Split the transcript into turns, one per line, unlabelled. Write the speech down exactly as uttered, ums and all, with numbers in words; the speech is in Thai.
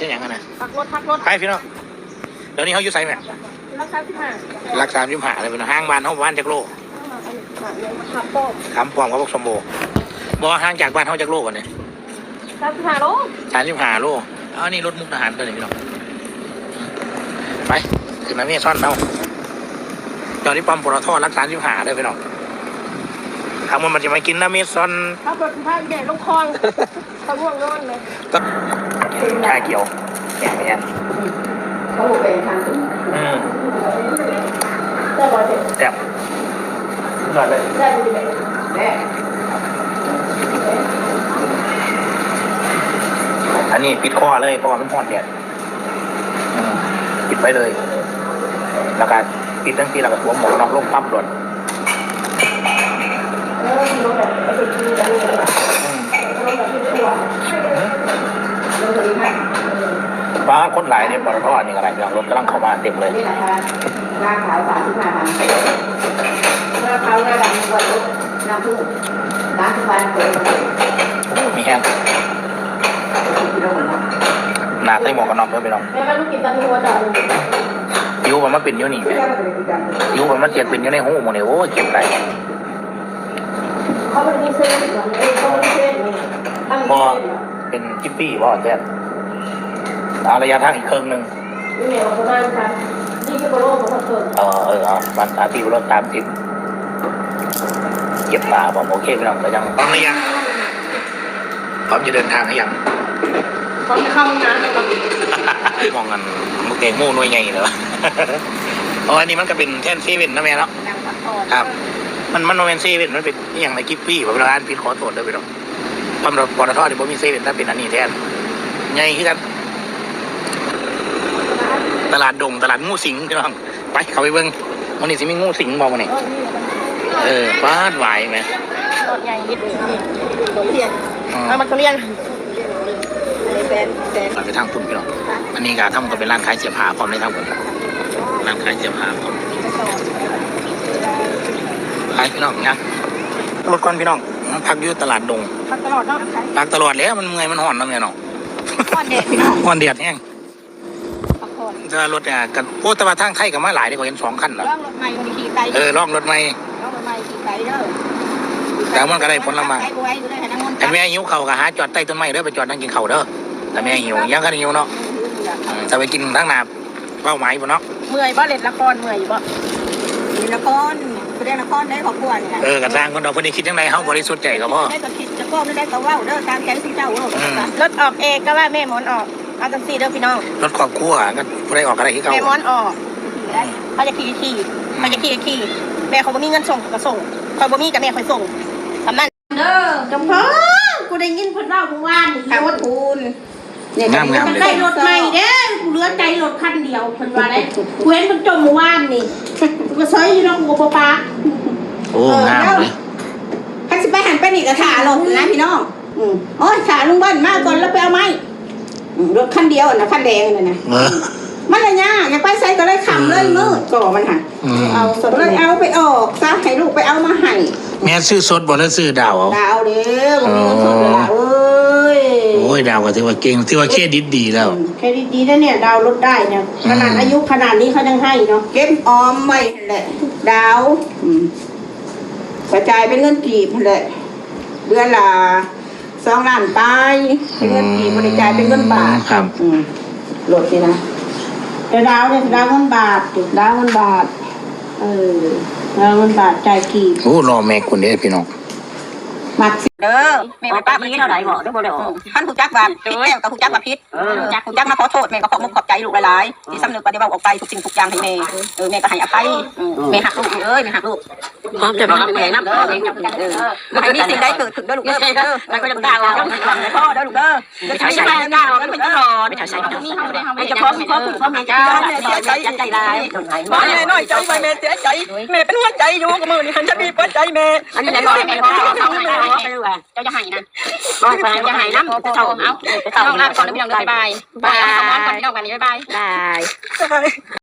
ช่ยังไงนะ
พักรถพักรถ
ไปพี่น้องเดี๋ยวนี้เขาอยู่ไซไหม
รักษาที่ห้า
รักษาที่ห้าเลยเป็นห้างบ้านเขาบ้านจากโลคำปอมเขาบอกสมบูรณ์บอกห่างจากบ้านเขาจากโลก่อนเนี่ย
สามสิบห้าโล
สามสิบห้าโลเอานี่รถมุกทหารตัวนี้พี่น้องไปขึ้นมาเมียซ่อนเราตอนนี้ปั๊มปตทรักษาที่ห้าเลยพี่น้องทางมันมันจะมากินน้ำเมซอน
ถ้าเปิดผ้าแดดลงคลองตะง่วงนอนเลย
ก็ชาเกี่ยวแก่เนี่ย
เขาบอกเป็นทาง
อืม
แซ่บเลย
แซ่บหน่อยเลย
แซ่บดีเลยแซ่บ
อันนี้ปิดคอเลยเพราะว่ามันพอดแดดปิดไปเลยแล้วก็ปิดทั้งทีแล้วก็สวมหมวกน็อกลงปั๊บหล่นบ้าคนหลายเนี่ยปตทนี่อะไรอย่างรถกำลังเข้ามาเต็มเลย
นี่แหละค่ะหน้าขาวสามสิบห้าพันเมื่อเขาหน้าดำวันรถน้ำพึ่งน้ำทุกวันเปิด
มีแห้งหนาใส่หมวกกันน็อกด้วยไปลอง
แม่ก็ลูกกินตะลุวจ่า
ยูมันมาเป็นยูนี่ยูมันมาเสียเป็นยูในหูหมดเลยโอ้เก็บไร
เขาเป็นดีเซลเหรอเออเขาเป็นดีเซล
พอเป็นจิ๊ปปี้พอแจ๊ดเอาระยะทางอีกครึ่งหนึ่ง
นี่เหนียวประมาณครับนี่คือโลของคนเกิด
เออเออเอามันสามสิบรถสามสิบเก็บตาบอกโอเคพี่น้องแต่ยังพร้อมหรือยังพร้อมจะเดินทางหรือยัง
พร้อมจะเข้าห้องน้ำ
มองกันมุกเก่งมู่หน่วยใหญ่เหรออ๋ออันนี้มันก็เป็นแท่นเซเว่นนะแม่เนาะครับมันมันโนเวนเซเว่นมันเป็นอย่างไรกิฟฟี่แบบร้านพิษขอโทษด้วยพี่น้องตำรวจปตทที่ผมมีเซเว่นถ้าเป็นอันนี้แทนใหญ่ขึ้นกันตลาดดงตลาดงูสิงพี่น้องไปเข้าไปเบิ้งวันนี้สิมีงูสิงบอกมาเนี่ยเออฟาดไหวไหม
รถใหญ่ยิบตัวเรียนเอามาตัวเรียนแฟนแฟน
ไปทางปุ่นพี่น้องอันนี้ก็ทำก็เป็นร้านขายเสื้อผ้าพร้อมในทางปุ่นร้านขายเสื้อผ้าพร้อมขายพี่น้องนะรถก่อนพี่น้องพักอยู่ตลาดดง
พักตลอดเนาะ
พักตลอดแล้วมันเมื่อยมันห่อนแล้วไงเนาะ
ห่อนเด็ดพี่น้อง
ห่อนเด็ดแห้งถ้ารถเนี่ยกันโอ้แต่ว่าทางไทยกับมาหลายดีกว่าเห็นสองคันเหรอ
ล่องรถใหม่มันขี่ไกล
เออล่องรถใหม่
ล่องรถใหม่ขี่ไกลเด้อ
แต่มันก็ได้ผลละมาแต่แม่หิวเข่ากับหาจอดใต้ต้นไม้เด้อไปจอดนั่งกินเข่าเด้อแต่แม่หิวยังก็หิวเนาะจะไปกินทั้งนาเป้าหมายปุ่นเนาะ
เมื่อยบ่เล่นละครเมื่อยบ่เล่นละครแสดงละครได้ขอบคุณเนี่ย
เออกระซังคนเราคนนี้คิดยังไงเขาบริสุทธิ์ใจกับพ่อ
ได้ก็คิดจะก้มได้ก็ว่าเด้อตามใจที่เจ้ารถออกเองก็ว่าแม่หมอนออกเอาจังสี่เด้อพี่น้อง
รถครอบครัวก็ผู้ใดออกอะไรที่เขา
แม่หมอนออกเขาจะขี่ขี่เขาจะขี่ขี่แม่เขาบ่มีเงินส่งก็ส่งคอยบ่มีกับแม่คอยส่งทำนั่นเด้อจำเพาะกูได้ยินเพิ่นเล่าเมื่อวานนี่รถคูณ
งามงามเลย
ได้รถใหม่เด้อกูเหลือใจรถคันเดียวเพิ่นว่าได้กูเห็นเพิ่นจมเมื่อวานนี่กูซอยอยู่น้องกูบ่ปา
โอ้งามเลย
คันสิไปหันไปนี่ก็ถ่ารถนะพี่น้องอือโอ้ยถ่าลุงบ้านมาก่อนแล้วไปเอาไม้รถคันเดียวน่ะคันแดงนั่นน่ะมันละยากอยากไปใส่ก็เลยขำเลยมืดก่อมันหั่นเอาสดเลยเอาไปออกซะให้ลูกไปเอามาให้
แม่ซื้อสดบ่แล้วซื้อดาวเอา
ดาวเด้อบ่มีเงินสดเลยเอ้ย
โอ้ยดาวก็ถือว่าเก่งถือว่าเครดิตดีแล้ว
เครดิตดีนะเนี่ยดาวลดได้เนี่ยขนาดอายุขนาดนี้เขายังให้เนาะเก็บออมไว้แหละดาวกระจายเป็นเงินกีบแหละเดือนละสองล้านไปเป็นเงินกีบบริจาคเป็นเงินบาท
ครับ
ลดสินะแต่ดาวเนี่ยดาวเงินบาทดาวเงินบาทเออดาวเงินบาทจ่ายกีบ
โอ้รอแม่คนนี้พี่น้อง
มักเด้อแม่ป้าพี่เท่าไหร่บอกได้บ่ได้ท่านผู้จักแบบพิษแก้วกับผู้จักแบบพิษจักผู้จักมาขอโทษแม่ก็ขอมุกขอบใจลูกหลายๆที่สำนึกปฏิบัติออกไปทุกสิ่งทุกอย่างให้แม่เออแม่ก็ให้อภัยแม่หักลูกเอ้ยแม่หักลูกพร้อมจะมาแม่น้ำเด้อแม่น้ำเด้อให้มีสิ่งใดเกิดขึ้นเด้อลูกเด้อเด้อแล้วก็จะด่าเราต้องหวังในพ่อเด้อลูกเด้อจะใช้ใช้ด่าเรากันเป็นตลอดไม่ใช่ใช่ไม่จะพร้อมพร้อมพร้อมใจใจใจใจร้ายพ่อแม่น้อยใจไปแม่เสียใจแม่เป็นหัวใจอยู่กับมือนี่คันจะมีหัวใจแม่อันนี้แม่บอกแม่พ่อเขาไม่ได้เจ้าจะหายนะบอกไปจะหายน้ำจะเท่าเอาจะเท่าน้องลาก่อนแล้วพี่น้องเดินไปบายบายก่อนพี่น้องกันนี้บายบายบาย